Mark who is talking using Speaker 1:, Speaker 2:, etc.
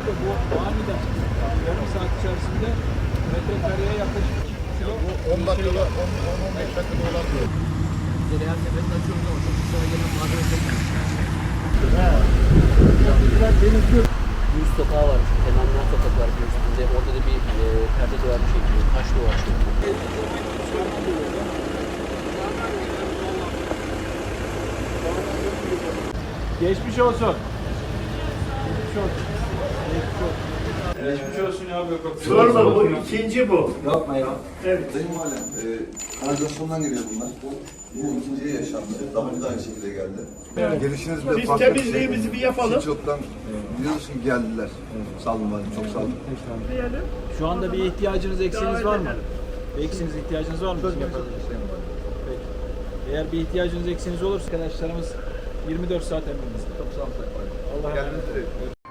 Speaker 1: Bu aniden yarım saat içerisinde metrekareye yaklaşık 2 kilo.
Speaker 2: 10 dakikada, 10-15 dakikada olan diyor.
Speaker 3: Her seferinde açıyoruz ama çok sıra gelen malzeme Yüz sokağı var. Kemanlar sokak var bir üstünde. Orada da bir perde duvar bir şekilde. Taş duvar şeklinde.
Speaker 1: Geçmiş olsun. Geçmiş olsun. Geçmiş olsun ya Gökhan.
Speaker 4: Sorma bu ikinci bu.
Speaker 1: Yapma ya.
Speaker 4: Evet.
Speaker 2: Benim halen kanalizasyondan geliyor bunlar. Bu ikinciye yaşandı. Daha önce de aynı şekilde geldi.
Speaker 4: Evet.
Speaker 2: Gelişiniz de
Speaker 4: Biz
Speaker 2: farklı
Speaker 4: temizliğimizi bir yapalım.
Speaker 2: Çoktan biliyorsun geldiler. Sağ olun bari, çok sağ olun.
Speaker 4: Diyelim.
Speaker 1: Şu anda bir ihtiyacınız, eksiğiniz var mı? Bir eksiğiniz, ihtiyacınız var mı?
Speaker 2: Söz
Speaker 1: Peki. Eğer bir ihtiyacınız, eksiğiniz olursa arkadaşlarımız 24 saat emrinizde.
Speaker 2: Çok sağ olun.
Speaker 1: Allah razı olsun.
Speaker 2: Geldiniz.